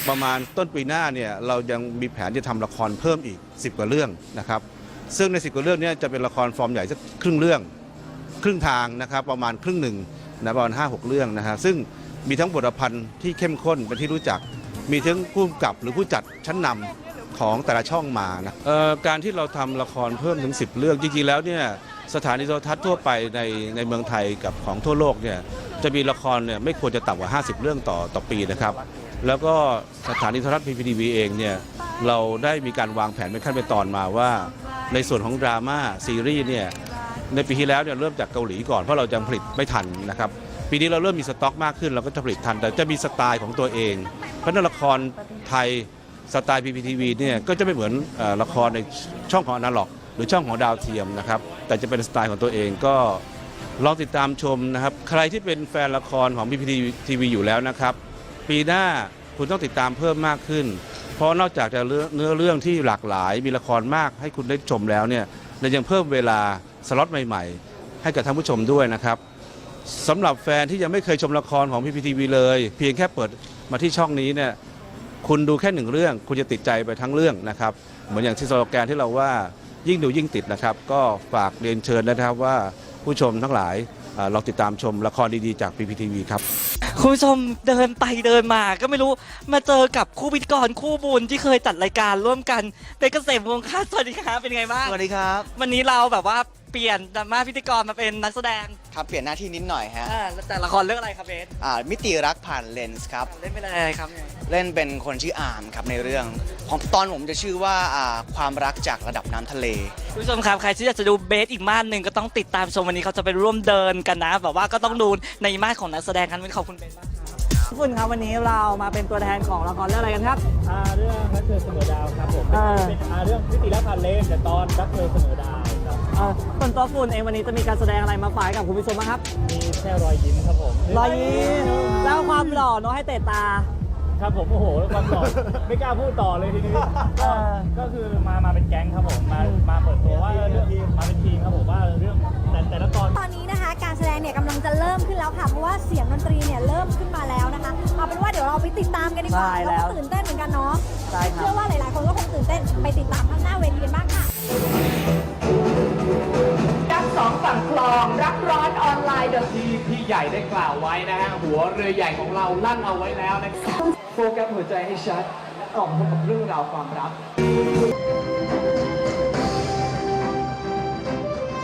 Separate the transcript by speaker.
Speaker 1: ประมาณต้นปีหน้าเนี่ยเรายังมีแผนจะทำละครเพิ่มอีก10 กว่าเรื่องนะครับซึ่งใน10 กว่าเรื่องนี้จะเป็นละครฟอร์มใหญ่สักครึ่งเรื่องครึ่งทางนะครับประมาณครึ่งหนึ่งนะประมาณ5-6 เรื่องนะฮะซึ่งมีทั้งบทพันธ์ที่เข้มข้นเป็นที่รู้จักมีทั้งผู้กำกับหรือผู้จัดชั้นนำของแต่ละช่องมานะการที่เราทำละครเพิ่มถึง10 เรื่องจริงๆแล้วเนี่ยสถานีโทรทัศน์ทั่วไปในเมืองไทยกับของทั่วโลกเนี่ยจะมีละครเนี่ยไม่ควรจะต่ำกว่า50 เรื่องต่อปีนะครับแล้วก็สถานีโทรทัศน์ PPTV เองเนี่ยเราได้มีการวางแผนเป็นขั้นเป็นตอนมาว่าในส่วนของดราม่าซีรีส์เนี่ยในปีที่แล้วเนี่ยเริ่มจากเกาหลีก่อนเพราะเรายังผลิตไม่ทันนะครับปีนี้เราเริ่มมีสต็อกมากขึ้นเราก็จะผลิตทันแต่จะมีสไตล์ของตัวเองเพราะนั้นละครไทยสไตล์ PPTV เนี่ยก็จะไม่เหมือนละครในช่องของอนาล็อกหรือช่องของดาวเทียมนะครับแต่จะเป็นสไตล์ของตัวเองก็ลองติดตามชมนะครับใครที่เป็นแฟนละครของ PPTV อยู่แล้วนะครับปีหน้าคุณต้องติดตามเพิ่มมากขึ้นเพราะนอกจากจะเนื้อเรื่องที่หลากหลายมีละครมากให้คุณได้ชมแล้วเนี่ยเรายังเพิ่มเวลาสล็อตใหม่ๆให้กับท่านผู้ชมด้วยนะครับสำหรับแฟนที่ยังไม่เคยชมละครของ PPTV เลยเพียงแค่เปิดมาที่ช่องนี้เนี่ยคุณดูแค่1 เรื่องคุณจะติดใจไปทั้งเรื่องนะครับเหมือนอย่างที่สโลแกนที่เราว่ายิ่งดูยิ่งติดนะครับก็ฝากเรียนเชิญนะครับว่าผู้ชมทั้งหลายลองติดตามชมละครดีๆจาก PPTV ครับ
Speaker 2: คุณผู้ชมเดินไปเดินมาก็ไม่รู้มาเจอกับคู่พิธีกรคู่บุญที่เคยจัดรายการร่วมกันเป็นเกษมวงศ์ค่ะสวัสดีครับเป็นไงบ้าง
Speaker 3: สวัสดีครับ
Speaker 2: วันนี้เราแบบว่าเปลี่ยนจากมาพิธีกรมาเป็นนักแสดง
Speaker 3: ครับเปลี่ยนหน้าที่นิดหน่อยฮะ
Speaker 2: แต่ละครเรื่องอะไรครับเบส
Speaker 3: มิติรักผ่านเลนส์ครับ
Speaker 2: เล่นเป็นอะไรครับ
Speaker 3: เล่นเป็นคนชื่ออาร์มครับในเรื่องของตอนผมจะชื่อว่าความรักจากระดับน้ำทะเล
Speaker 2: คุณผู้ชมครับใครที่อยากจะดูเบสอีกม่านหนึ่งก็ต้องติดตามชมวันนี้เขาจะไปร่วมเดินกันนะแบบว่าก็ต้องดูในม่านของนักแสดงกันวันนี้ขอบคุณเบสมากครับทุกคนครับวันนี้เรามาเป็นตัวแทนของละครเรื่องอะไรกันครับ
Speaker 4: เรื่องรักเธอเสมอดาวครับผมเป็นเรื่องมิติรักผ่านเลนแต่ตอนรักเธอเสมอดาวครับ
Speaker 2: ส่วนตัวฝุ่นเองวันนี้จะมีการแสดงอะไรมาฝากกับคุณผู้ชมบ้างครับ
Speaker 4: มีแค่รอยยิ้มครับผม
Speaker 2: รอยยิ้มแล้วความหล่อเนาะให้เตะตา
Speaker 4: ครับผมโอ้โหความหล่อไม่กล้าพูดต่อเลยทีนี้ก็คือมาเป็นแก๊งครับผมมาเปิดตัวว่าเรื่องมาเป็นทีมครับผมว่าเรื่องแต่ละตอน
Speaker 5: ตอนนี้นะคะการแสดงเนี่ยกำลังจะเริ่มขึ้นแล้วค่ะเพราะว่าเสียงดนตรีเนี่ยเริ่มขึ้นมาแล้วนะคะเอาเป็นว่าเดี๋ยวเราไปติดตามกันดีกว่า
Speaker 2: ใช่แล้ว
Speaker 5: เราก็ตื่นเต้นเหมือนกันเนาะ
Speaker 2: ใช่ครับ
Speaker 5: เชื่อว่าหลายๆ คนก็คงตื่นเต้นไปติดตามข้างหน้าเวทีกันบ้างค่ะ
Speaker 6: รักสองฝั่งคลองรักร้อนออนไลน์เดอะที่พี่ใหญ่ได้กล่าวไว้นะฮะหัวเรือใหญ่ของเราลั่นเอาไว้แล้วนะครับโฟกัสหัวใจให้ชัดออกมาพบกับเรื่องราวความรัก